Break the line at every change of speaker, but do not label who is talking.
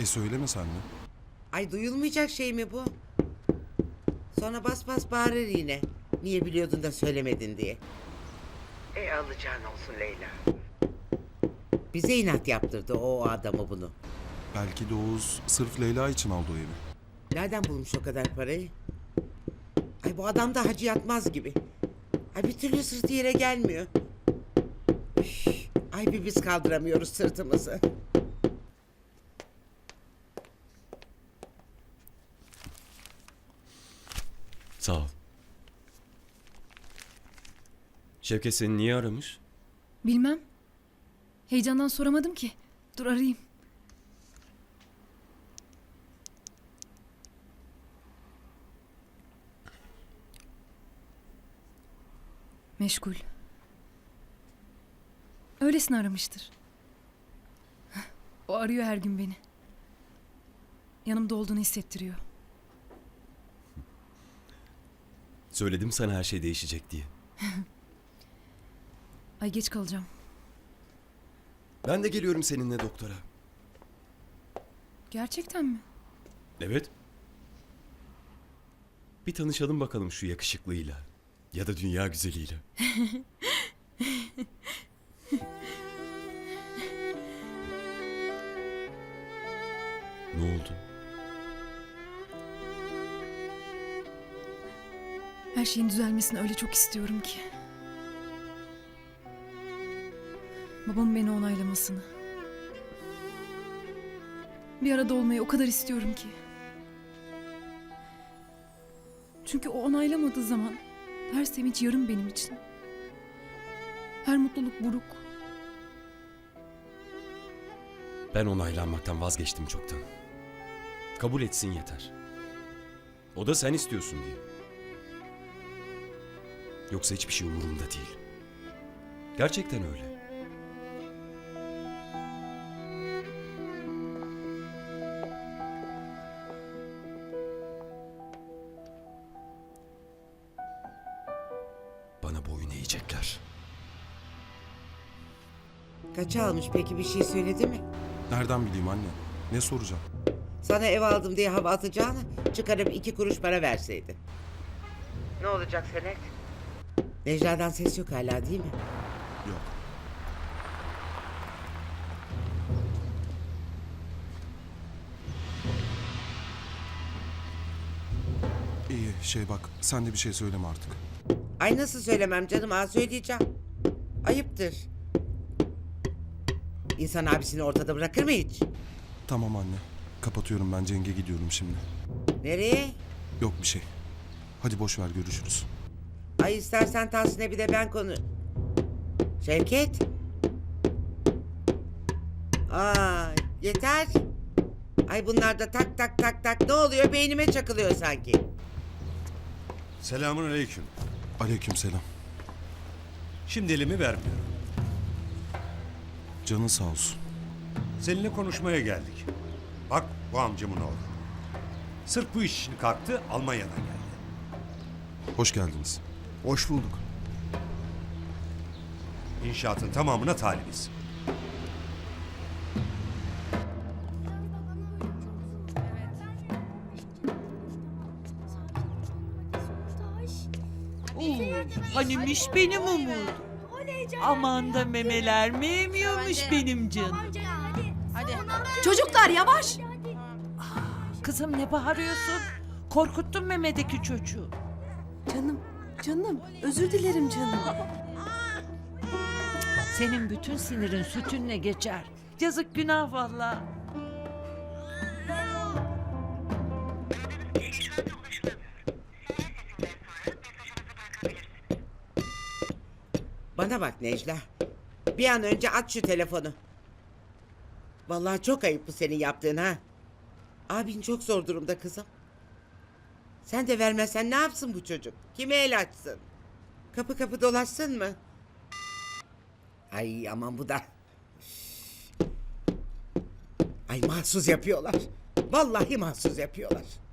Söyleme sen de.
Ay duyulmayacak şey mi bu? Sonra bas bas bağırır yine. Niye biliyordun da söylemedin diye. Alacağın olsun Leyla. Bize inat yaptırdı o adamı bunu.
Belki de Oğuz sırf Leyla için aldı o evi.
Nereden bulmuş o kadar parayı? Ay bu adam da hacı yatmaz gibi. Ay bir türlü sırtı yere gelmiyor. Üf, ay bir biz kaldıramıyoruz sırtımızı.
Sağ ol. Şevket seni niye aramış?
Bilmem. Heyecandan soramadım ki. Dur arayayım. Meşgul. Öylesine aramıştır. O arıyor her gün beni. Yanımda olduğunu hissettiriyor.
Söyledim sana her şey değişecek diye.
Ay geç kalacağım.
Ben de geliyorum seninle doktora.
Gerçekten mi?
Evet. Bir tanışalım bakalım şu yakışıklıyla. Ya da dünya güzeliyle. Ne oldu?
Her şeyin düzelmesini öyle çok istiyorum ki. Babamın beni onaylamasını. Bir arada olmayı o kadar istiyorum ki. Çünkü o onaylamadığı zaman her sevinç yarım benim için. Her mutluluk buruk.
Ben onaylanmaktan vazgeçtim çoktan. Kabul etsin yeter. O da sen istiyorsun diye. Yoksa hiçbir şey umurumda değil. Gerçekten öyle. Bana boyun eğecekler.
Kaça almış peki, bir şey söyledi mi?
Nereden bileyim anne? Ne soracağım?
Sana ev aldım diye hava atacağını çıkarıp 2 kuruş para verseydin. Ne olacak Senet? Necla'dan ses yok hala değil mi?
Yok. İyi bak sen de bir şey söyleme artık.
Ay nasıl söylemem canım, söyleyeceğim. Ayıptır. İnsan abisini ortada bırakır mı hiç?
Tamam anne. Kapatıyorum ben, Ceng'e gidiyorum şimdi.
Nereye?
Yok bir şey. Hadi boş ver, görüşürüz.
Ay istersen Tahsin'e bir de ben konu... Şevket. Ay yeter. Ay bunlar da tak tak tak tak, ne oluyor, beynime çakılıyor sanki.
Selamun aleyküm.
Aleykümselam.
Şimdi elimi vermiyorum.
Canın sağ olsun.
Seninle konuşmaya geldik. Bak bu amcamın oğlu. Sırf bu iş için kalktı, Almanya'dan geldi.
Hoş geldiniz.
Hoş bulduk. İnşaatın tamamına talibiz.
Hanimiş benim umudum. Aman da memeler mi emiyormuş benim canım.
Çocuklar yavaş.
Kızım ne bağırıyorsun? Korkuttun Mehmet'teki çocuğu.
Canım özür dilerim canım.
Senin bütün sinirin sütünle geçer. Yazık günah vallahi.
Bana bak Necla. Bir an önce aç şu telefonu. Vallahi çok ayıp bu senin yaptığın ha. Abin çok zor durumda kızım. Sen de vermezsen ne yapsın bu çocuk? Kime el açsın? Kapı kapı dolaşsın mı? Ay aman bu da. Ay mahsus yapıyorlar. Vallahi mahsus yapıyorlar.